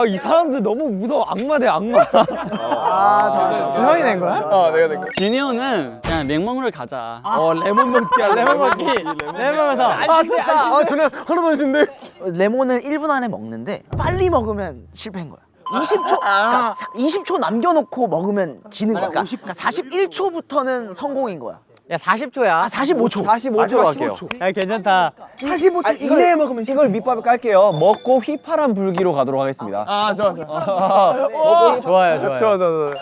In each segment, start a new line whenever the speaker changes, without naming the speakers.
이 사람들 너무 무서워. 악마 대 악마.
형이 낸 거야?
내가 낸 거야.
진이호는 그냥 맹먹으러 가자.
레몬 먹기야. 레몬 먹기.
레몬에서
저는 하나도 안 쉬는데.
레몬을 1분 안에 먹는데 빨리 먹으면 실패인 거야. 20초, 그러니까 20초 남겨놓고 먹으면 지는 거야. 그러니까 41초부터는 성공인 거야.
야 40초야.
아, 45초.
45초로 할게요.
야 괜찮다.
45초 이내에 먹으면
이걸 밑밥을 깔게요. 먹고 휘파람 불기로 가도록 하겠습니다.
좋아요 좋아요.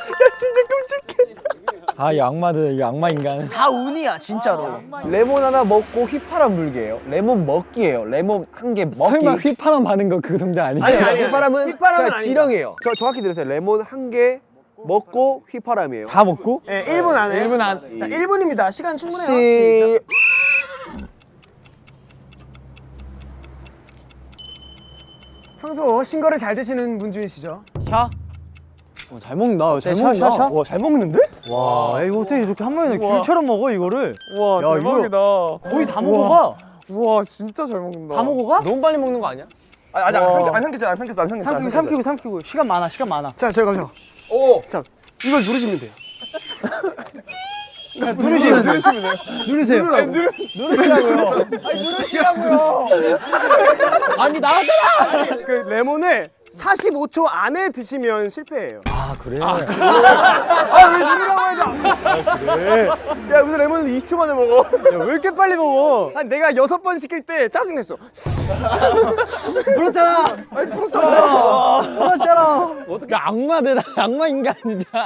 아, 이 악마들, 이 악마 인간.
다 운이야 진짜로.
레몬 하나 먹고 휘파람 불기예요. 레몬 먹기예요. 레몬 한 개 먹기. 설마 휘파람 바는 거 그 동작 아니지?
아니, 휘파람은 그냥 지령이에요. 정확히 들으세요. 레몬 한 개 먹고 휘파람이에요.
다 먹고?
네 1분 안에.
1분 안.
자 1분입니다. 시간 충분해요.
시...
평소 신거를 잘 드시는 분 중이시죠?
샤?
잘 먹는다. 잘
샤, 샤, 샤?
와, 잘 먹는데?
와 이거 어떻게 이렇게 한 번에 귤처럼 먹어 이거를?
와,
야,
대박이다.
거의 다 먹어봐.
우와, 진짜 잘 먹는다.
다 먹어가?
너무 빨리 먹는 거 아니야?
아직 안 삼켰어.
삼키고 시간 많아.
자, 제가 가죠.
오!
자, 이걸 누르시면 돼요.
누르시면 돼요. 누르세요.
누르시라고요.
아니 나왔잖아.
그 레몬을 45초 안에 드시면 실패예요.
아, 그래?
왜 누르라고 해도 야, 무슨 레몬을 20초 만에 먹어?
야, 왜 이렇게 빨리 먹어?
한 내가 6번 시킬 때 짜증냈어.
불었잖아.
어떻게 악마들, 악마 인간이냐.